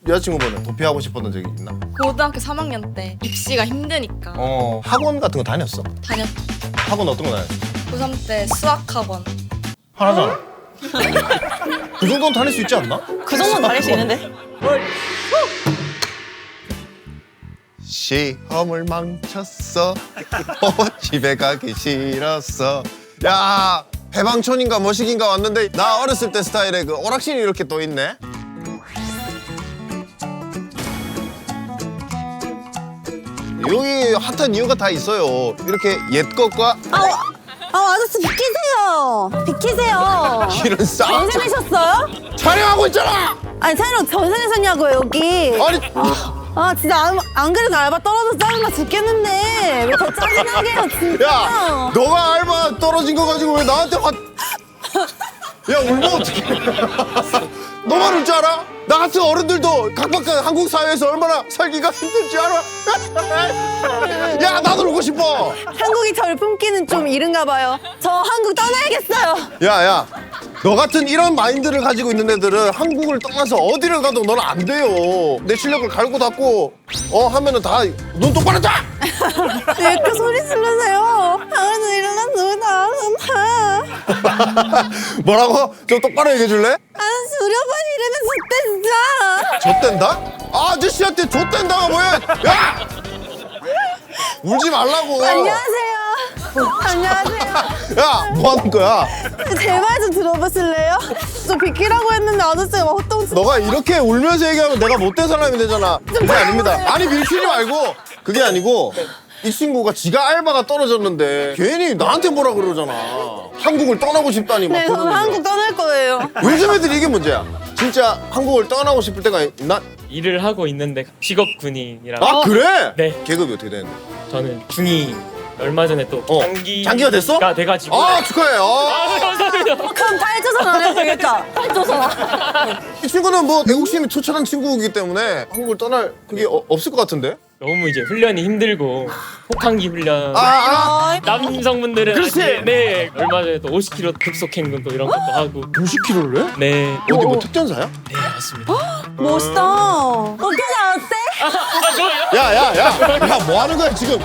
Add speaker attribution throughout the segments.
Speaker 1: 여자친구분은 도피하고 싶었던 적이 있나?
Speaker 2: 고등학교 3학년 때 입시가 힘드니까
Speaker 1: 학원 같은 거 다녔어?
Speaker 2: 다녔죠.
Speaker 1: 학원 어떤 거 다녔어?
Speaker 2: 고3 때 수학학원.
Speaker 1: 하나잖아. 그 정도는 다닐 수 있지 않나?
Speaker 3: 그 정도는 다닐 수 있는데.
Speaker 1: 시험을 망쳤어. 집에 가기 싫었어. 야, 해방촌인가 뭐시긴가 왔는데 나 어렸을 때 스타일의 그 오락실이 이렇게 또 있네. 여기 핫한 이유가 다 있어요. 이렇게 옛 것과
Speaker 3: 아저씨 비키세요. 비키세요.
Speaker 1: 이런 싸움
Speaker 3: 전생하셨어요?
Speaker 1: 촬영하고 있잖아.
Speaker 3: 아니 촬영 전생하셨냐고요 여기.
Speaker 1: 아니
Speaker 3: 진짜 안 그래도 알바 떨어져서 짜증나 죽겠는데 왜 더 짜증나게 해요 진짜.
Speaker 1: 야, 너가 알바 떨어진 거 가지고 왜 나한테 화? 야, 울면 어떡해? 너만 울 줄 알아? 나 같은 어른들도 각박한 한국 사회에서 얼마나 살기가 힘들지 알아? 야, 나도 울고 싶어.
Speaker 3: 한국이 저를 품기는 좀 이른가 봐요. 저 한국 떠나야겠어요.
Speaker 1: 야, 너 같은 이런 마인드를 가지고 있는 애들은 한국을 떠나서 어디를 가도 너는 안 돼요. 내 실력을 갈고 닦고 하면은 다 눈 똑바로 떠!
Speaker 3: 왜 이렇게 소리 지르세요? 당연히 일어난 누구다.
Speaker 1: 뭐라고? 좀 똑바로 얘기해 줄래?
Speaker 3: 아저씨 우리 오빠 이러면 좋대 진짜.
Speaker 1: 좆된다? 아저씨한테 좆된다가 뭐야? 야! 울지 말라고.
Speaker 3: 안녕하세요. 안녕하세요.
Speaker 1: 야, 뭐 하는 거야?
Speaker 3: 제 말 좀 들어보실래요? 저 비키라고 했는데 아저씨가 막 헛동치.
Speaker 1: 너가 이렇게 울면서 얘기하면 내가 못된 사람이 되잖아. 그게 아닙니다. 아니, 밀치지 말고. 그게 아니고 이 친구가 지가 알바가 떨어졌는데 괜히 나한테 뭐라 그러잖아. 한국을 떠나고 싶다니 막
Speaker 3: 네, 저는
Speaker 1: 그러는데.
Speaker 3: 한국 떠날 거예요.
Speaker 1: 요즘 애들이 이게 문제야. 진짜 한국을 떠나고 싶을 때가 있나?
Speaker 4: 일을 하고 있는데 직업 군인이라고.
Speaker 1: 아, 그래?
Speaker 4: 네.
Speaker 1: 계급이 어떻게 되는데?
Speaker 4: 저는 중이 얼마 전에 또
Speaker 1: 장기가 됐어?
Speaker 4: 돼가지고.
Speaker 1: 아, 축하해.
Speaker 4: 감사합니다.
Speaker 3: 그럼 탈조선 안 해도 되겠다. 탈조선.
Speaker 1: 이 친구는 뭐 애국심이 투철한 친구이기 때문에 한국을 떠날 그게 없을 것 같은데?
Speaker 4: 너무 이제 훈련이 힘들고 혹한기 훈련.
Speaker 1: 아,
Speaker 4: 남성분들은
Speaker 1: 그렇지.
Speaker 4: 아직, 네. 얼마 전에 또 50km 급속 행군 또 이런 것도 하고.
Speaker 1: 50kg를 해?
Speaker 4: 네.
Speaker 1: 어디 뭐 특전사야?
Speaker 4: 네, 맞습니다.
Speaker 3: 멋있다. 어떻게 알았대?
Speaker 4: 아, 좋아요.
Speaker 1: 야, 뭐 하는 거야 지금?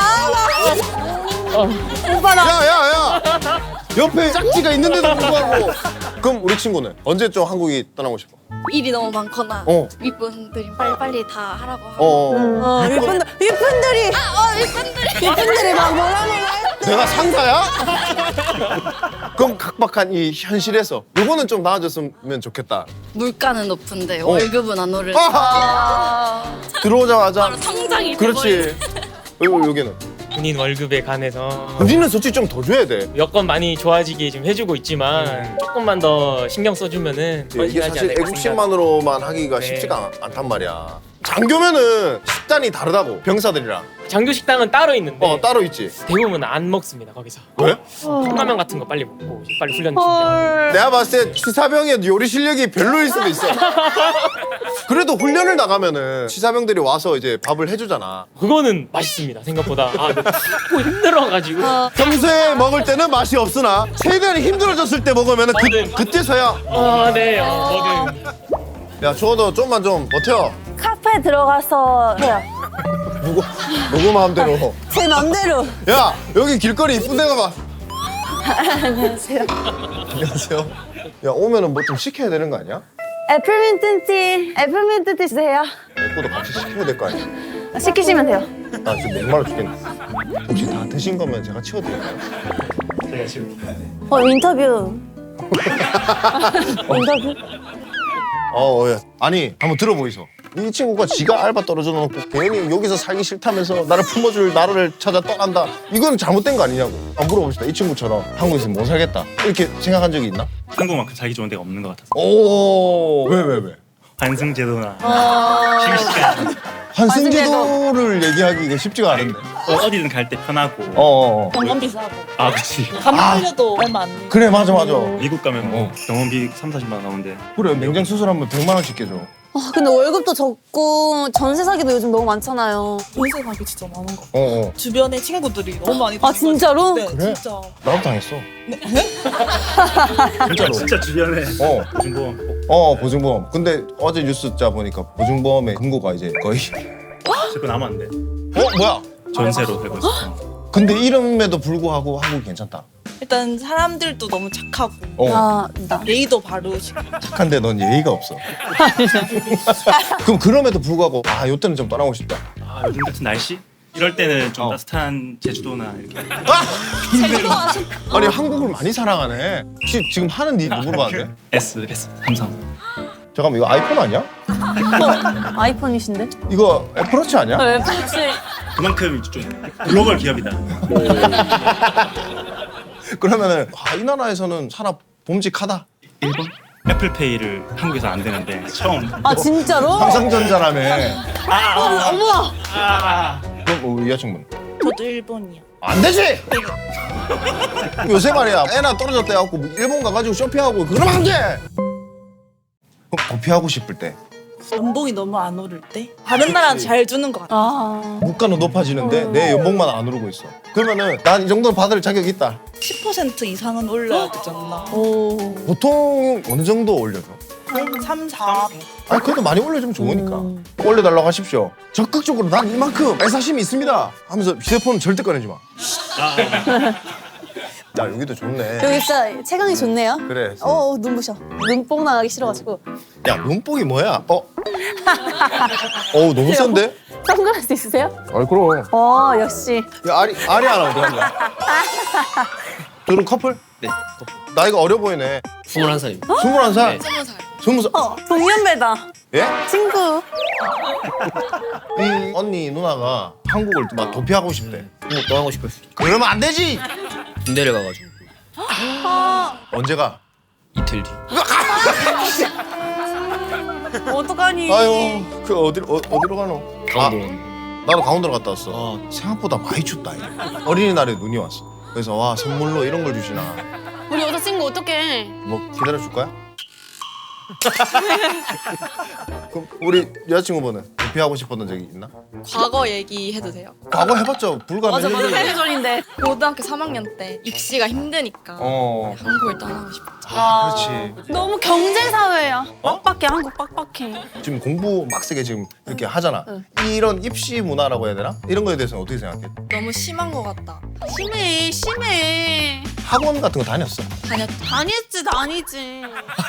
Speaker 3: 오빠 나.
Speaker 1: 야. 옆에 짝지가 있는데도 불구하고. 그럼 우리 친구는 언제쯤 한국이 떠나고 싶어?
Speaker 2: 일이 너무 많거나
Speaker 1: 어.
Speaker 2: 윗분들이 빨리빨리 다 하라고 하고.
Speaker 3: 윗분들이. 윗분들이 막 뭐라
Speaker 1: 내가 상사야? 그럼 각박한 이 현실에서 요거는 좀 나아졌으면 좋겠다.
Speaker 2: 물가는 높은데 월급은 안 오르고
Speaker 1: 들어오자마자
Speaker 2: 바로 통장이
Speaker 1: 그렇지. 여기는
Speaker 4: 군인 월급에 관해서
Speaker 1: 우리는 솔직히 좀 더 줘야 돼.
Speaker 4: 여건 많이 좋아지게 좀 해주고 있지만 조금만 더 신경 써주면은
Speaker 1: 이게
Speaker 4: 헌신하지
Speaker 1: 사실
Speaker 4: 않을까
Speaker 1: 애국심만으로만 하기가
Speaker 4: 네.
Speaker 1: 쉽지가 않단 말이야. 장교면은 식단이 다르다고 병사들이랑.
Speaker 4: 장교 식당은 따로 있는데
Speaker 1: 따로 있지.
Speaker 4: 대부분 안 먹습니다 거기서.
Speaker 1: 왜?
Speaker 4: 컵라면 같은 거 빨리 먹고 빨리 훈련 준비하고.
Speaker 1: 내가 봤을 때 치사병의 요리 실력이 별로일 수도 있어. 그래도 훈련을 나가면은 치사병들이 와서 이제 밥을 해주잖아.
Speaker 4: 그거는 맛있습니다 생각보다. 춥고 힘들어가지고.
Speaker 1: 평소에 먹을 때는 맛이 없으나 최대한 힘들어졌을 때 먹으면은 그때서야.
Speaker 4: 네. 뭐든.
Speaker 1: 야, 주호도 좀만 좀 버텨.
Speaker 3: 카페 들어가서 해요.
Speaker 1: 누구 마음대로.
Speaker 3: 제 맘대로.
Speaker 1: 야, 여기 길거리 이쁜 데 가봐.
Speaker 3: 안녕하세요.
Speaker 1: 안녕하세요. 야, 오면은 뭐 좀 시켜야 되는 거 아니야?
Speaker 3: 애플민트 티 주세요.
Speaker 1: 내 것도 같이 시켜야 될 거 아니야?
Speaker 3: 시키시면 돼요.
Speaker 1: 나 지금 목말라 죽겠네. 혹시 다 드신 거면 제가 치워드릴까요?
Speaker 4: 제가 지금
Speaker 3: 인터뷰. 인터뷰.
Speaker 1: 야. 아니, 한번 들어보이소. 이 친구가 지가 알바 떨어져 놓고 괜히 여기서 살기 싫다면서 나를 품어줄 나라를 찾아 떠난다. 이건 잘못된 거 아니냐고. 한번 물어봅시다. 이 친구처럼 한국에서 못 살겠다. 이렇게 생각한 적이 있나?
Speaker 5: 한국만큼 살기 좋은 데가 없는 것 같아서.
Speaker 1: 오, 왜?
Speaker 5: 환승제도나 휴식시간
Speaker 1: 환승제도를 얘기하기가 쉽지가 않은데.
Speaker 5: 어디든 갈 때 편하고.
Speaker 6: 병원 비싸고
Speaker 5: 아 그치.
Speaker 6: 간 풀려도 얼마 안 돼.
Speaker 1: 그래 맞아.
Speaker 5: 미국 가면 뭐 병원비 3-40만 원 나오는데.
Speaker 1: 그래 냉장 수술하면 100만 원씩 깨줘.
Speaker 3: 아, 근데 월급도 적고 전세 사기도 요즘 너무 많잖아요.
Speaker 6: 전세 가기 진짜 많은 거. 주변에 친구들이 너무 많이
Speaker 3: 아,
Speaker 6: 당해가지고.
Speaker 3: 진짜로?
Speaker 6: 네,
Speaker 1: 그래?
Speaker 6: 진짜.
Speaker 1: 나도 당했어. 진짜로.
Speaker 5: 진짜 주변에 보증보험
Speaker 1: 보증보험. 근데 어제 뉴스 짜 보니까 보증보험의 금고가 이제 거의
Speaker 5: 자꾸 남았는데
Speaker 1: 뭐야?
Speaker 5: 전세로 살고 있어.
Speaker 1: 근데 이름에도 불구하고 한국이 괜찮다.
Speaker 6: 일단 사람들도 너무 착하고
Speaker 3: 아, 나.
Speaker 6: 예의도 바르시고.
Speaker 1: 착한데 넌 예의가 없어. 그럼 그럼에도 불구하고 요때는 좀 떠나고 싶다.
Speaker 5: 아 요즘 같은 날씨? 이럴 때는 좀 따뜻한 제주도나 이렇게.
Speaker 1: 아니 한국을 많이 사랑하네. 혹시 지금 하는 일 누구로 봤는데?
Speaker 5: S 삼성.
Speaker 1: 잠깐만 이거 아이폰 아니야?
Speaker 3: 아이폰이신데?
Speaker 1: 이거 애플워치 아니야?
Speaker 3: 왜 그렇지?
Speaker 5: 그만큼 좀 글로벌 기업이다.
Speaker 1: 그러면은 이 나라에서는 산업 봄직하다.
Speaker 5: 일본? 애플페이를 한국에서 안 되는데 처음.
Speaker 3: 아, 진짜로?
Speaker 1: 삼성전자라며.
Speaker 3: 어머!
Speaker 1: 그럼 우리 여자친구는?
Speaker 6: 저도 일본이요.
Speaker 1: 안 되지! 요새 말이야 애나 떨어졌다 해갖고 일본 가가지고 쇼핑하고 그러면 안 돼! 그럼 도피하고 싶을 때
Speaker 6: 연봉이 너무 안 오를 때 다른 나라는 잘 주는 것 같아요.
Speaker 3: 아.
Speaker 1: 물가는 높아지는데 내 연봉만 안 오르고 있어. 그러면은 난 이 정도는 받을 자격이 있다.
Speaker 6: 10% 이상은 올려야 되지 않나.
Speaker 3: 오.
Speaker 1: 보통 어느 정도 올려줘?
Speaker 6: 한 3, 4.
Speaker 1: 그래도 많이 올려주면 좋으니까 올려달라고 하십시오. 적극적으로 난 이만큼 애사심이 있습니다 하면서 휴대폰은 절대 꺼내지 마. 야 여기도 좋네.
Speaker 3: 여기 진짜 채광이 좋네요.
Speaker 1: 그래.
Speaker 3: 눈부셔. 눈뽕 나가기 싫어가지고.
Speaker 1: 야 눈뽕이 뭐야? 너무 센데?
Speaker 3: 선글라스 있으세요?
Speaker 1: 그럼.
Speaker 3: 역시.
Speaker 1: 야 아리 하나 어디 갔냐? 둘은 커플?
Speaker 7: 네.
Speaker 1: 나이가 어려 보이네.
Speaker 7: 21살입니다.
Speaker 1: 21살?
Speaker 2: 20살.
Speaker 1: 20살?
Speaker 3: 동년배다.
Speaker 1: 예?
Speaker 3: 친구.
Speaker 1: 이 언니 누나가 한국을 막 도피하고 싶대.
Speaker 7: 한국 떠나고 싶었어요.
Speaker 1: 그러면 안 되지!
Speaker 7: 군대를 가가지고
Speaker 1: 언제가?
Speaker 7: 이틀 뒤.
Speaker 3: 어떡하니?
Speaker 1: 아유 그 어디로 가노?
Speaker 7: 강원도.
Speaker 1: 나도 강원도로 갔다 왔어. 생각보다 많이 춥다. 어린이날에 눈이 왔어. 그래서 와 선물로 이런 걸 주시나.
Speaker 3: 우리 여자친구 어떡해?
Speaker 1: 뭐 기다려줄 거야? 그럼 우리 여자친구분은 도피하고 싶었던 적이 있나?
Speaker 2: 과거 얘기해도 돼요?
Speaker 1: 과거 해봤죠. 불과 몇 년 전에.
Speaker 3: 8년 전인데.
Speaker 2: 고등학교 3학년 때 입시가 힘드니까 한국을 떠나고 싶어.
Speaker 1: 그렇지.
Speaker 3: 너무 경제 사회야. 빡빡해. 한국 빡빡해.
Speaker 1: 지금 공부 막 세게 지금 이렇게 하잖아. 이런 입시 문화라고 해야 되나? 이런 거에 대해서는 어떻게 생각해?
Speaker 2: 너무 심한 것 같다.
Speaker 3: 심해.
Speaker 1: 학원 같은 거 다녔어?
Speaker 2: 다녔다.
Speaker 3: 다니지.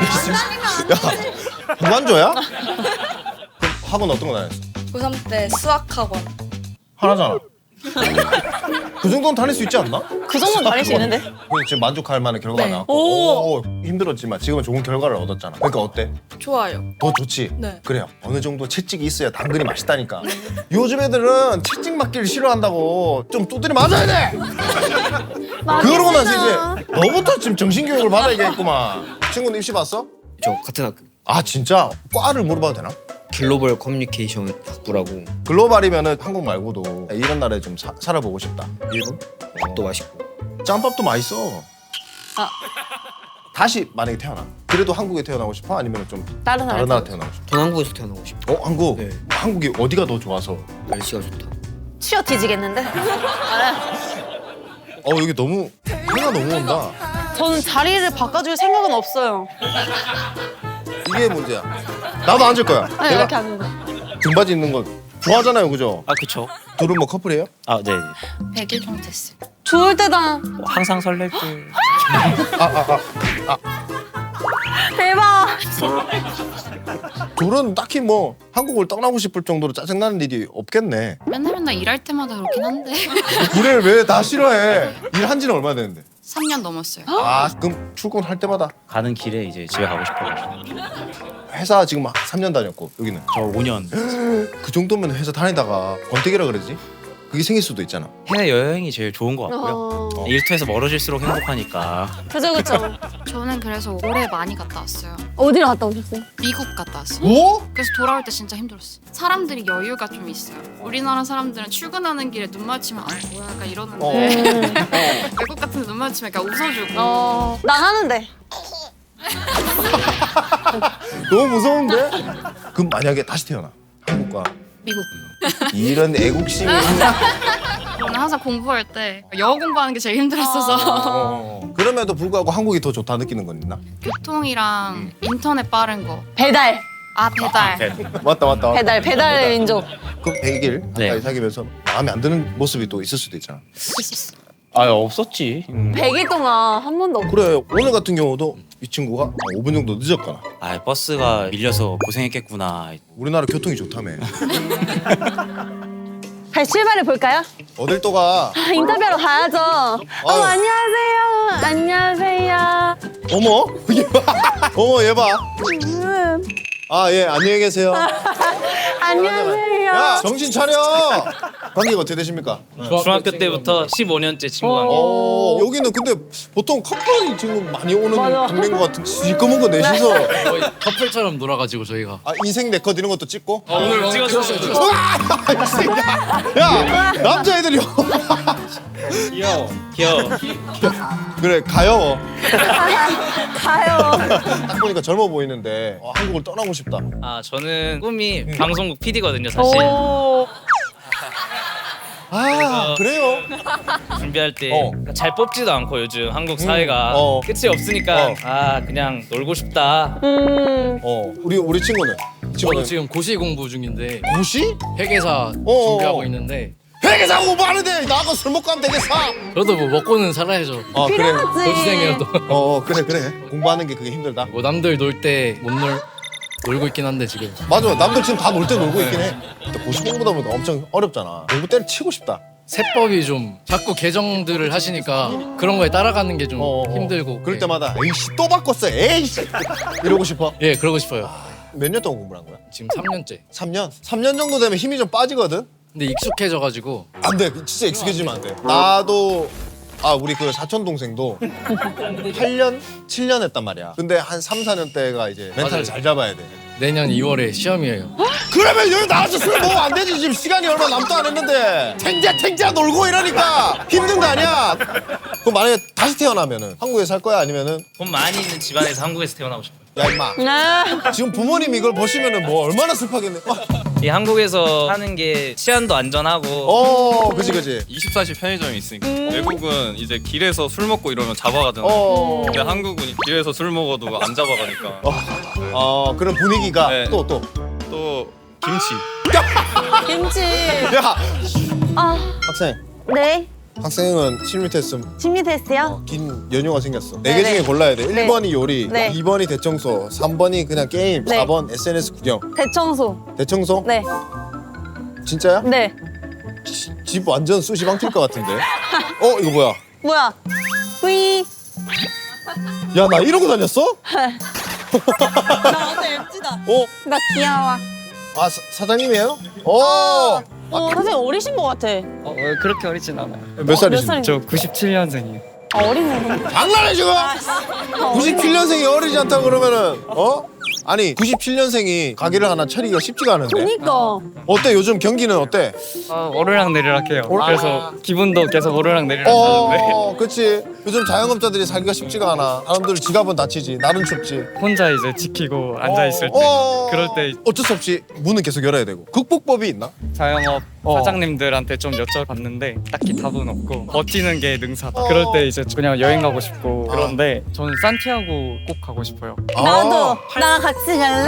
Speaker 1: 야, 무관조야? 그럼 학원 어떤 거 다녔어?
Speaker 2: 고3 때 수학학원.
Speaker 1: 하나잖아. 그 정도는 다닐 수 있지 않나?
Speaker 3: 그 정도는 다닐 수 있는데?
Speaker 1: 그래서 지금 만족할 만한 결과가
Speaker 2: 네.
Speaker 1: 나왔고 힘들었지만 지금은 좋은 결과를 얻었잖아. 그러니까 어때?
Speaker 2: 좋아요.
Speaker 1: 더 좋지?
Speaker 2: 네.
Speaker 1: 그래요. 어느 정도 채찍이 있어야 당근이 맛있다니까. 요즘 애들은 채찍 맞기를 싫어한다고 좀 두드려 맞아야 돼! 그러고 나서 이제 너부터 지금 정신교육을 받아야겠구만. 친구는 입시 봤어?
Speaker 7: 저 같은 학교.
Speaker 1: 아 진짜? 과를 물어봐도 되나?
Speaker 7: 글로벌 커뮤니케이션 학부라고.
Speaker 1: 글로벌이면은 한국 말고도 이런 나라에 좀 살아보고 싶다.
Speaker 7: 일본? 밥도 맛있고.
Speaker 1: 짬밥도 맛있어. 다시 만약에 태어나. 그래도 한국에 태어나고 싶어? 아니면 좀
Speaker 3: 다른
Speaker 1: 다른 나라 태어나고 싶어?
Speaker 7: 전 한국에서 태어나고 싶어.
Speaker 1: 한국?
Speaker 7: 네.
Speaker 1: 한국이 어디가 더 좋아서?
Speaker 7: 날씨가 좋다.
Speaker 3: 치어 뒤지겠는데?
Speaker 1: 여기 너무 해가 너무 온다.
Speaker 3: 저는 자리를 바꿔줄 생각은 없어요.
Speaker 1: 이게 문제야. 나도 앉을 거야.
Speaker 3: 아니, 이렇게 하는 거.
Speaker 1: 등받이 있는 거 좋아하잖아요, 그죠?
Speaker 5: 아 그쵸.
Speaker 1: 둘은 뭐 커플이에요?
Speaker 5: 아 네.
Speaker 2: 100일 정도 됐어요.
Speaker 3: 좋을 때다.
Speaker 5: 항상 설렐 때.
Speaker 3: 대박.
Speaker 1: 둘은 딱히 뭐 한국을 떠나고 싶을 정도로 짜증나는 일이 없겠네.
Speaker 8: 맨날 일할 때마다 그렇긴 한데
Speaker 1: 일을 왜 다 싫어해? 일한 지는 얼마나 됐는데?
Speaker 8: 3년 넘었어요.
Speaker 1: 그럼 출근할 때마다
Speaker 5: 가는 길에 이제 집에 가고 싶어가지고.
Speaker 1: 회사 지금 3년 다녔고 여기는
Speaker 5: 저 5년.
Speaker 1: 그 정도면 회사 다니다가 권태기라 그러지? 그게 생길 수도 있잖아.
Speaker 5: 해외 여행이 제일 좋은 것 같고요. 일터에서 멀어질수록 행복하니까.
Speaker 3: 그죠.
Speaker 8: 저는 그래서 올해 많이 갔다 왔어요.
Speaker 3: 어디로 갔다 오셨어요?
Speaker 8: 미국 갔다 왔어.
Speaker 1: 뭐?
Speaker 8: 그래서 돌아올 때 진짜 힘들었어. 사람들이 여유가 좀 있어요. 우리나라 사람들은 출근하는 길에 눈 마주치면 아 뭐야 약간 이러는데 외국 같은 데 눈 마주치면 약간 웃어주고.
Speaker 3: 난 하는데.
Speaker 1: 너무 무서운데? 그럼 만약에 다시 태어나 한국과
Speaker 8: 미국.
Speaker 1: 이런 애국심이
Speaker 8: 저는 항상 공부할 때 영어 공부하는 게 제일 힘들었어서
Speaker 1: 그럼에도 불구하고 한국이 더 좋다 느끼는 건 있나?
Speaker 8: 교통이랑 인터넷 빠른 거.
Speaker 3: 배달.
Speaker 8: 아 배달.
Speaker 1: 맞다.
Speaker 3: 배달의 민족.
Speaker 1: 그럼 100일 가까이 사귀면서 마음에 안 드는 모습이 또 있을 수도 있잖아.
Speaker 4: 아 없었지.
Speaker 3: 100일 동안 한 번도 없고.
Speaker 1: 그래 오늘 같은 경우도 이 친구가 5분 정도 늦었거나.
Speaker 9: 아 버스가 밀려서 고생했겠구나.
Speaker 1: 우리나라 교통이 좋다며.
Speaker 3: 다시 출발해 볼까요?
Speaker 1: 어딜 또 가?
Speaker 3: 인터뷰하러 가야죠. 어머 안녕하세요. 안녕하세요.
Speaker 1: 어머 얘 봐. 어머 얘 봐. 아 예 안녕히 계세요.
Speaker 3: 안녕하세요.
Speaker 1: 야 정신 차려. 관계가 어떻게 되십니까?
Speaker 4: 중학교 때부터 15년째 친구가.
Speaker 1: 여기는 근데 보통 커플이 지금 많이 오는
Speaker 3: 맞아.
Speaker 1: 동네인 것 같은 시꺼먼 거 내시서
Speaker 10: 거의 커플처럼 놀아가지고 저희가
Speaker 1: 아, 인생 네컷 이런 것도 찍고
Speaker 4: 오늘 찍었어요.
Speaker 1: 야 남자애들이
Speaker 4: 귀여워.
Speaker 1: 그래 가요
Speaker 3: 가요.
Speaker 1: 딱 보니까 젊어 보이는데 한국을 떠나고 싶다.
Speaker 4: 아 저는 꿈이 방송국 PD거든요 사실.
Speaker 3: 오.
Speaker 1: 아 그래요?
Speaker 4: 준비할 때 잘 뽑지도 않고 요즘 한국 사회가 끝이 없으니까 아 그냥 놀고 싶다.
Speaker 1: 우리 친구는
Speaker 10: 저는 지금 고시 공부 중인데
Speaker 1: 고시?
Speaker 10: 회계사 준비하고 있는데
Speaker 1: 회계사 공부하는데 나하고 술 먹고 하면 되겠어.
Speaker 10: 저도 뭐 먹고는 살아야죠.
Speaker 1: 그래
Speaker 3: 필요하지.
Speaker 10: 고시생이라도
Speaker 1: 그래 공부하는 게 그게 힘들다.
Speaker 10: 뭐 남들 놀 때 못 놀고 있긴 한데 지금
Speaker 1: 맞아 남들 지금 다 놀 때 놀고 있긴 해. 근데 고시 공부다 보니까 엄청 어렵잖아. 공부 때를 치고 싶다.
Speaker 10: 세법이 좀 자꾸 개정들을 하시니까 그런 거에 따라가는 게 좀 힘들고
Speaker 1: 그럴 때마다 에이씨 또 바꿨어 에이씨 이러고 싶어.
Speaker 10: 예 그러고 싶어요.
Speaker 1: 몇 년 동안 공부를 한 거야?
Speaker 10: 지금 3년째.
Speaker 1: 3년? 3년 정도 되면 힘이 좀 빠지거든?
Speaker 10: 근데 익숙해져가지고
Speaker 1: 안 돼. 진짜 익숙해지면 안 돼. 나도 우리 그 사촌 동생도 8년, 7년 했단 말이야. 근데 한 3, 4년 때가 이제 멘탈을
Speaker 10: 맞아요.
Speaker 1: 잘 잡아야 돼.
Speaker 10: 내년 2월에 시험이에요.
Speaker 1: 그러면 여기 나와서 술 먹으면 안 되지. 지금 시간이 얼마 남도 안 했는데. 탱자 놀고 이러니까 힘든 거 아니야. 그럼 만약에 다시 태어나면은 한국에 살 거야 아니면은
Speaker 4: 돈 많이 있는 집안에서 한국에서 태어나고 싶어요.
Speaker 1: 야 임마. 지금 부모님이 이걸 보시면은 뭐 얼마나 슬퍼하겠네.
Speaker 4: 이 한국에서 사는 게 치안도 안전하고.
Speaker 1: 그지.
Speaker 11: 24시 편의점이 있으니까 외국은 이제 길에서 술 먹고 이러면 잡아가잖아. 근데 한국은 길에서 술 먹어도 안 잡아가니까.
Speaker 1: 그런 분위기가
Speaker 11: 네.
Speaker 1: 또
Speaker 11: 김치.
Speaker 3: 김치.
Speaker 1: 야
Speaker 3: 아,
Speaker 1: 학생.
Speaker 3: 네.
Speaker 1: 학생은 심리 테스트
Speaker 3: 심리 테스트요?
Speaker 1: 긴 연휴가 생겼어.
Speaker 3: 네,
Speaker 1: 4개 중에
Speaker 3: 네.
Speaker 1: 골라야 돼.
Speaker 3: 네.
Speaker 1: 1번이 요리,
Speaker 3: 네.
Speaker 1: 2번이 대청소, 3번이 그냥 게임,
Speaker 3: 네.
Speaker 1: 4번 SNS 구경.
Speaker 3: 대청소.
Speaker 1: 대청소?
Speaker 3: 네.
Speaker 1: 진짜야?
Speaker 3: 네.
Speaker 1: 집 완전 수시방 튈 것 같은데. 이거 뭐야?
Speaker 3: 뭐야? 뿌이.
Speaker 1: 야, 나 이러고 다녔어?
Speaker 3: 나 완전 엠지다. 나 귀여워.
Speaker 1: 사장님이에요?
Speaker 3: 선생님 어리신 것 같아.
Speaker 4: 그렇게 어리진 않아요.
Speaker 1: 몇 살이신데?
Speaker 3: 살인데?
Speaker 4: 저 97년생이에요.
Speaker 3: 어리네.
Speaker 1: 장난해 지금? 97년생이 어리지 않다 그러면은 아니 97년생이 가게를 하나 차리기가 쉽지가 않은데.
Speaker 3: 그니까.
Speaker 1: 어때 요즘 경기는 어때?
Speaker 4: 오르락 내리락 해요. 그래서 기분도 계속 오르락 내리락 하는데
Speaker 1: 그치. 요즘 자영업자들이 살기가 쉽지가 않아. 사람들 지갑은 다치지. 날은 춥지.
Speaker 4: 혼자 이제 지키고 앉아 있을 때 그럴 때
Speaker 1: 어쩔 수 없이 문은 계속 열어야 되고. 극복법이 있나?
Speaker 4: 자영업 사장님들한테 좀 여쭤봤는데 딱히 답은 없고 버티는 게 능사다. 그럴 때 이제 그냥 여행 가고 싶고 그런데 저는 산티아고 꼭 가고 싶어요.
Speaker 3: 나도. 나랑 같이 갈래?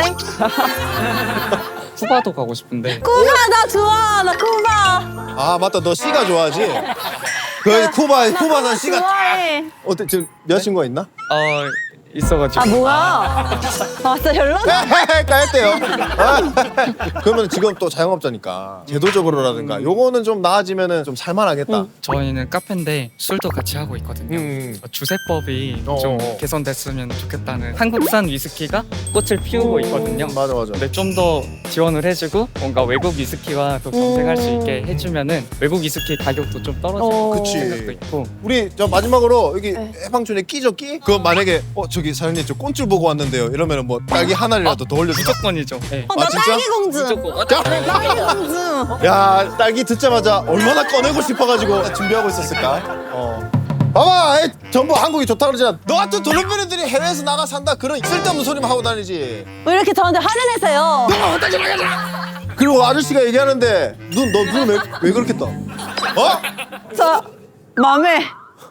Speaker 4: 쿠바도 가고 싶은데
Speaker 3: 쿠바 나 좋아. 나 쿠바.
Speaker 1: 맞다. 너 씨가 좋아하지? 그 쿠바는 씨가
Speaker 3: 좋아해.
Speaker 1: 어때? 지금 여자친구가 있나?
Speaker 4: 있어가지고
Speaker 3: 뭐야? 진짜 별로다.
Speaker 1: 까였대요. 그러면 지금 또 자영업자니까 제도적으로라든가 요거는 좀 나아지면은 좀 살만하겠다.
Speaker 12: 저희는 카페인데 술도 같이 하고 있거든요. 주세법이 좀 개선됐으면 좋겠다는. 한국산 위스키가 꽃을 피우고 있거든요.
Speaker 1: 맞아.
Speaker 12: 근데 좀 더 지원을 해주고 뭔가 외국 위스키와 또 경쟁할 수 있게 해주면은 외국 위스키 가격도 좀 떨어질
Speaker 1: 그치.
Speaker 12: 생각도 있고.
Speaker 1: 우리 저 마지막으로 여기 해방촌에 끼죠 끼? 그럼 만약에 저기 저기 사장님 저 꽃줄 보고 왔는데요. 이러면은 뭐 딸기 하나라도 더 올려주나?
Speaker 4: 무조건이죠. 네.
Speaker 3: 나
Speaker 1: 진짜?
Speaker 3: 딸기 공주.
Speaker 4: 무조건.
Speaker 3: 딸기 공주.
Speaker 1: 야 딸기 듣자마자 얼마나 꺼내고 싶어가지고 준비하고 있었을까? 봐봐, 에이, 전부 한국이 좋다 그러잖아. 너 같은 도련변이들이 해외에서 나가 산다 그런 쓸데없는 소리만 하고 다니지.
Speaker 3: 왜 이렇게 저한테 화를 내세요?
Speaker 1: 그리고 아저씨가 얘기하는데 너 눈 왜 그렇게 떠? 어?
Speaker 3: 저 맘에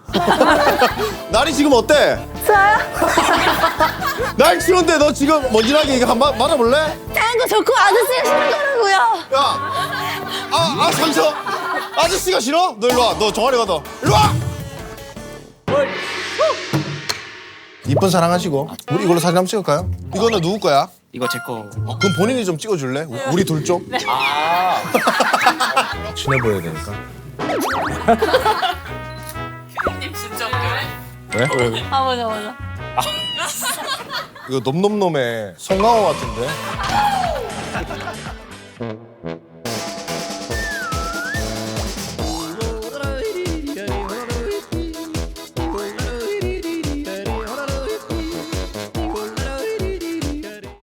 Speaker 1: 날이 지금 어때?
Speaker 3: 저요?
Speaker 1: 날 추운데 너 지금 먼지나게 이거 한번 말아볼래?
Speaker 3: 탱고 좋고 아저씨가 싫은 거라고요.
Speaker 1: 야, 상처. 아저씨가 싫어? 너 일로 와. 너 종아리 가다. 일로 와. 이쁜 사랑하시고 우리 이걸로 사진 한번 찍을까요? 이거는 누구 거야?
Speaker 9: 이거 제 거.
Speaker 1: 그럼 본인이 좀 찍어줄래? 우리 둘 좀? 친해 보여야 되니까.
Speaker 8: 님 진짜 웃겨요.
Speaker 1: 왜?
Speaker 3: 맞아.
Speaker 1: 이거 놈놈놈의 송강호 같은데?